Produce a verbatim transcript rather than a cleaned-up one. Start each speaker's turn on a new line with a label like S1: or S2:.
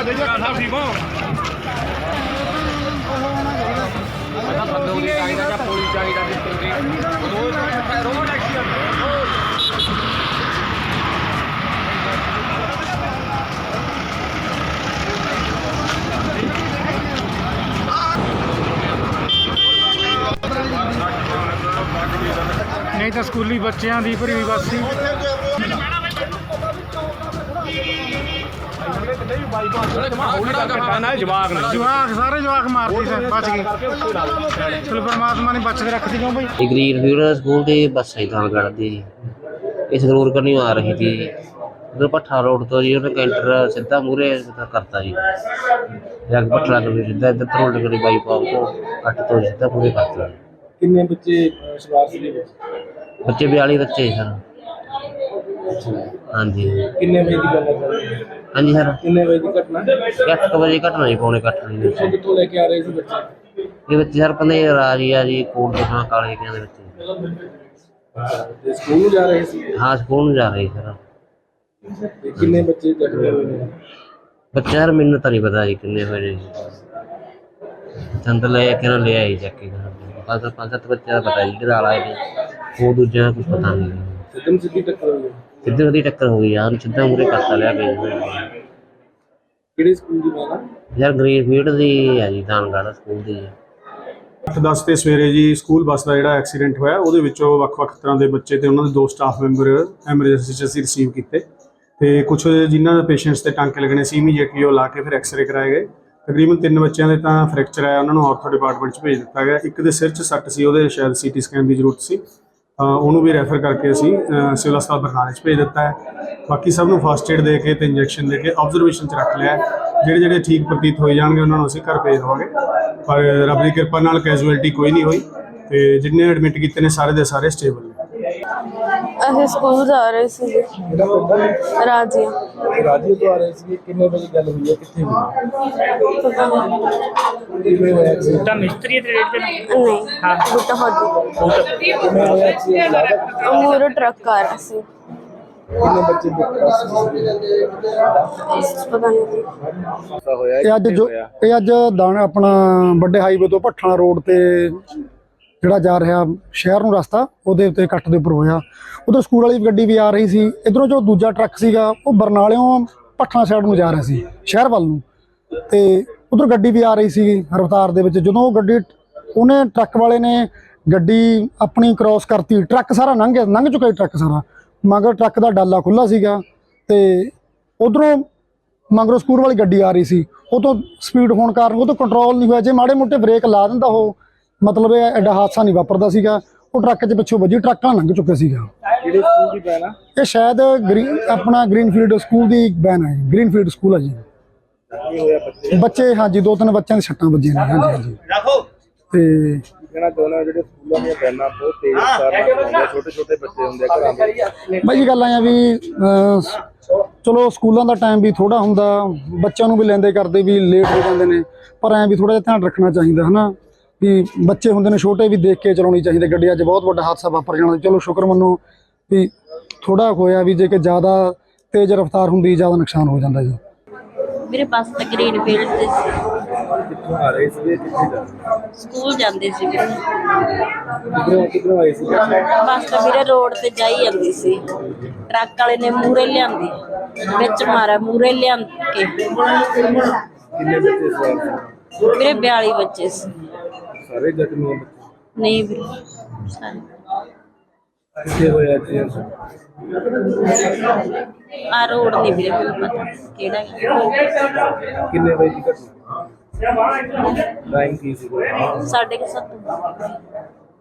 S1: ठीक हो बंदूक चाहिए या पुलिस चाहिए रोड एक्सीडेंट नहीं तो स्कूली बच्चों की भरी हुई बस सी जवाक सारे जवाक मारती से बच गए चलो परमात्मा ने बच के रख दी क्यों भाई।
S2: ग्रीन फील्ड स्कूल की बस है धानगढ़ दी इस रूर करनी आ रही थी उधर भट्ठा रोड तो जी उन्हें कैंटर सीधा मूहरे करता जी जाके भट्ठा सीधा इधर धरोल करी बाईपास को कट तो सीधा पूरे करता।
S3: कितने बच्चे सवार थे?
S2: बच्चे बयाली बच्चे सर। हाँ जी
S3: कितने बजे की गल है?
S2: हाँ जी सर
S3: कितने बजे की घटना?
S2: अठ वजे घटना जी पौने अठ बजे।
S3: कितों लेके आ रहे थे बच्चे?
S2: ये बच्चे सर पता राजिया जी कोट दुकान काले के बच्चे
S3: स्कूल जा रहे थे?
S2: हाँ स्कूल जा रहे सर।
S3: कितने बच्चे जख्मी हुए?
S2: बच्चे सर मैनू तो नहीं पता जी किन्ने हुए चंद ले के ना ले आई चक्की पाँच पाँच सत्त बच्चे का पता जी किधर आए थे वो दूजा कुछ पता नहीं
S3: सीधी सीधी टक्कर हुई?
S2: सीधी सीधी टक्कर हो गई यार सीधा मुरे करता लिया गया
S3: किहड़े स्कूल दी बात है?
S2: यार ग्रीन फील्ड दी है जी धानगढ़ स्कूल दी
S4: ਅੱਠ ਦਸ ਤੇ ਸਵੇਰੇ ਜੀ ਸਕੂਲ ਬੱਸ ਦਾ ਜਿਹੜਾ ਐਕਸੀਡੈਂਟ ਹੋਇਆ ਉਹਦੇ ਵਿੱਚੋਂ ਵੱਖ-ਵੱਖ ਤਰ੍ਹਾਂ ਦੇ ਬੱਚੇ ਤੇ ਉਹਨਾਂ ਦੇ ਦੋ ਸਟਾਫ ਮੈਂਬਰ ਐਮਰਜੈਂਸੀ 'ਚ ਅਸੀਂ ਰਿਸੀਵ ਕੀਤੇ ਤੇ ਕੁਝ ਜਿਨ੍ਹਾਂ ਦੇ ਪੇਸ਼ੈਂਟਸ ਤੇ ਟਾਂਕੇ ਲੱਗਣੇ ਸੀ ਇਮੀਡੀਏਟਲੀ ਉਹ ਲਾ ਕੇ ਫਿਰ ਐਕਸ-ਰੇ ਕਰਾਏ ਗਏ। ਤਕਰੀਬਨ ਤਿੰਨ ਬੱਚਿਆਂ ਦੇ ਤਾਂ ਫ੍ਰੈਕਚਰ ਆਇਆ ਉਹਨਾਂ ਨੂੰ ਆਰਥੋ ਡਿਪਾਰਟਮੈਂਟ 'ਚ ਭੇਜ ਦਿੱਤਾ ਗਿਆ। ਇੱਕ ਦੇ ਸਿਰ 'ਚ ਸੱਟ ਸੀ ਉਹਦੇ ਸ਼ਾਇਦ ਸੀਟੀ ਸਕੈਨ ਦੀ ਜ਼ਰੂਰਤ ਸੀ ਉਹਨੂੰ ਵੀ ਰੈਫਰ ਕਰਕੇ ਅਸੀਂ ਸਿਵਲ ਹਸਪਤਾਲ ਬਰਨਾਲੇ 'ਚ ਭੇਜ ਦਿੱਤਾ ਹੈ। ਬਾਕੀ ਸਭ ਨੂੰ ਫਸਟ ਏਡ ਦੇ ਕੇ ਤੇ ਇੰਜੈਕਸ਼ਨ ਦੇ ਕੇ ਆਬਜ਼ਰਵੇਸ਼ਨ 'ਚ ਰੱਖ ਲਿਆ। ਜਿਹੜੇ ਜਿਹੜੇ ਠੀਕ ਪ੍ਰਤੀਤ ਹੋਏ ਜਾਣਗੇ ਉਹਨਾਂ ਨੂੰ ਅਸੀਂ ਘਰ ਭੇਜ ਦੇਵਾਂਗੇ ਪਰ ਰੱਬ ਦੀ ਕਿਰਪਾ ਨਾਲ ਕੈਜੂਅਲਟੀ ਕੋਈ ਨਹੀਂ ਹੋਈ ਤੇ ਜਿੰਨੇ ਐਡਮਿਟ ਕੀਤੇ ਨੇ ਸਾਰੇ ਦੇ ਸਾਰੇ ਸਟੇਬਲ ਨੇ।
S5: ਅਸੀਂ ਸਕੂਲ ਜਾ ਰਹੇ ਸੀ ਰਾਜੀਆ
S3: ਰਾਜੀਆ ਤੋਂ ਆ ਰਹੇ ਸੀ। ਕਿੰਨੇ ਵਜੇ ਗੱਲ ਹੋਈ ਹੈ ਕਿੱਥੇ ਹੋਈ? ਕਿਵੇਂ ਹੋਇਆ ਐਕਸੀਡੈਂਟ?
S1: ਤਾਂ ਮਿਸਤਰੀ ਦੇ ਰੇਟ ਤੇ
S5: ਨਹੀਂ ਹਾਂ ਬੁੱਟਾ ਹੋਦੀ
S3: ਕਿਵੇਂ ਹੋਇਆ ਐਕਸੀਡੈਂਟ?
S5: ਮੂਰੇ ਟਰੱਕ ਆ ਰਿਹਾ ਸੀ।
S3: ਕਿੰਨੇ ਬੱਚੇ ਦਿੱਕਤ
S5: ਪਤਾ ਨਹੀਂ
S3: ਹੋਇਆ?
S6: ਇਹ ਅੱਜ ਜੋ ਇਹ ਅੱਜ ਦਾਣ ਆਪਣਾ ਵੱਡੇ ਹਾਈਵੇ ਤੋਂ ਭੱਠਾ ਰੋਡ ਤੇ ਜਿਹੜਾ ਜਾ ਰਿਹਾ ਸ਼ਹਿਰ ਨੂੰ ਰਸਤਾ ਉਹਦੇ ਉੱਤੇ ਕੱਟ ਦੇ ਉੱਪਰ ਹੋਇਆ। ਉਧਰ ਸਕੂਲ ਵਾਲੀ ਗੱਡੀ ਵੀ ਆ ਰਹੀ ਸੀ। ਇਧਰੋਂ ਜੋ ਦੂਜਾ ਟਰੱਕ ਸੀਗਾ ਉਹ ਬਰਨਾਲਿਓਂ ਭੱਠਾ ਸਾਈਡ ਨੂੰ ਜਾ ਰਿਹਾ ਸੀ ਸ਼ਹਿਰ ਵੱਲ ਨੂੰ ਤੇ ਉਧਰ ਗੱਡੀ ਵੀ ਆ ਰਹੀ ਸੀ ਰਫ਼ਤਾਰ ਦੇ ਵਿੱਚ। ਜਦੋਂ ਉਹ ਗੱਡੀ ਉਹਨੇ ਟਰੱਕ ਵਾਲੇ ਨੇ ਗੱਡੀ ਆਪਣੀ ਕ੍ਰੋਸ ਕਰਤੀ ਟਰੱਕ ਸਾਰਾ ਲੰਘ ਗਿਆ ਲੰਘ ਚੁੱਕਾ ਟਰੱਕ ਸਾਰਾ ਮਗਰ ਟਰੱਕ ਦਾ ਡਾਲਾ ਖੁੱਲ੍ਹਾ ਸੀਗਾ ਤੇ ਉਧਰੋਂ ਮਗਰੋਂ ਸਕੂਲ ਵਾਲੀ ਗੱਡੀ ਆ ਰਹੀ ਸੀ। ਉਹ ਤੋਂ ਸਪੀਡ ਹੋਣ ਕਾਰਨ ਉਹ ਤੋਂ ਕੰਟਰੋਲ ਨਹੀਂ ਹੋਇਆ। ਜੇ ਮਾੜੇ ਮੋਟੇ ਬ੍ਰੇਕ ਲਾ ਦਿੰਦਾ ਉਹ ਮਤਲਬ ਇਹ ਐਡਾ ਹਾਦਸਾ ਨਹੀਂ ਵਾਪਰਦਾ ਸੀਗਾ। ਉਹ ਟਰੱਕ 'ਚ ਪਿੱਛੋਂ ਵੱਜੀ ਟਰੱਕਾਂ ਲੰਘ ਚੁੱਕਿਆ ਸੀਗਾ।
S3: ਕਿਹੜੇ ਸਕੂਲ ਦੀ ਵੈਨ ਆ
S6: ਇਹ? ਸ਼ਾਇਦ ਗ੍ਰੀਨ ਆਪਣਾ ਗ੍ਰੀਨਫੀਲਡ ਸਕੂਲ ਦੀ ਵੈਨ ਹੈ। ਗ੍ਰੀਨਫੀਲਡ ਸਕੂਲ ਹੈ ਜੀ।
S3: ਕੀ ਹੋਇਆ ਬੱਚੇ?
S6: ਬੱਚੇ ਹਾਂਜੀ ਦੋ ਤਿੰਨ ਬੱਚਿਆਂ ਦੇ ਸੱਟਾਂ ਵੱਜੀਆਂ ਨੇ। ਹਾਂਜੀ ਹਾਂਜੀ ਤੇ
S3: ਕਹਿਣਾ ਚਾਹੁੰਦਾ ਜਿਹੜੇ ਸਕੂਲਾਂ ਦੀਆਂ ਵੈਨਾਂ ਬਹੁਤ ਤੇਜ਼ ਰਫ਼ਤਾਰ ਨਾਲ ਚਲਾਉਂਦੇ ਛੋਟੇ ਛੋਟੇ ਬੱਚੇ ਹੁੰਦੇ ਘਰਾਂ ਦੇ
S6: ਬਾਈ ਜੀ ਗੱਲ ਆਇਆ ਵੀ ਚਲੋ ਸਕੂਲਾਂ ਦਾ ਟਾਈਮ ਵੀ ਥੋੜਾ ਹੁੰਦਾ ਬੱਚਿਆਂ ਨੂੰ ਵੀ ਲੈਂਦੇ ਕਰਦੇ ਵੀ ਲੇਟ ਹੋ ਜਾਂਦੇ ਨੇ ਪਰ ਐਂ ਵੀ ਥੋੜਾ ਜਿਹਾ ਧਿਆਨ ਰੱਖਣਾ ਚਾਹੀਦਾ ਹੈ ਨਾ ਵੀ ਬੱਚੇ ਹੁੰਦੇ ਨੇ ਛੋਟੇ ਵੀ ਦੇਖ ਕੇ ਚਲਾਉਣੀ ਚਾਹੀਦੀ ਗੱਡੀ। ਅੱਜ ਬਹੁਤ ਵੱਡਾ ਹਾਦਸਾ ਵਾਪਰ ਜਾਣਾ। ਚਲੋ ਸ਼ੁਕਰ ਮੰਨੋ ਵੀ ਥੋੜਾ ਹੋਇਆ ਵੀ ਜੇ ਕਿ ਜ਼ਿਆਦਾ ਤੇਜ਼ ਰਫ਼ਤਾਰ ਹੁੰਦੀ ਜ਼ਿਆਦਾ ਨੁਕਸਾਨ ਹੋ ਜਾਂਦਾ ਜੀ।
S7: मेरे पास तो ग्रीन फील्ड से
S3: ਕਿੱਥੋਂ ਆ ਰਹੇ ਸੀ ਕਿੱਥੇ ਜਾ
S7: स्कूल जाते सी
S3: ਕਿੱਧਰੋਂ ਕਿੱਧਰੋਂ ਆਏ ਸੀ?
S7: बस तो मेरे रोड ते जाई जाती सी ट्रक वाले ने मूहरे लियांदी विच मारा मूहरे लिया के
S3: ਕਿੰਨੇ ਬੱਚੇ ਸਵਾਰ ਸੀ?
S7: मेरे बयाली बच्चे सी।
S3: ਸਾਰੇ ਜ਼ਖਮੀ ਹੋਏ ਬੱਚੇ?
S7: नहीं मेरे सारे
S3: ਕਿੱਥੇ ਹੋਇਆ ਐਕਸੀਡੈਂਟ?
S7: आ रोड नहीं मेरे को पता केड़ा
S3: ਕਿੰਨੇ ਵਜੇ ਦੀ ਘਟਨਾ? ਟਾਈਮ ਕੀ ਸੀ?
S7: साढ़े के सत्त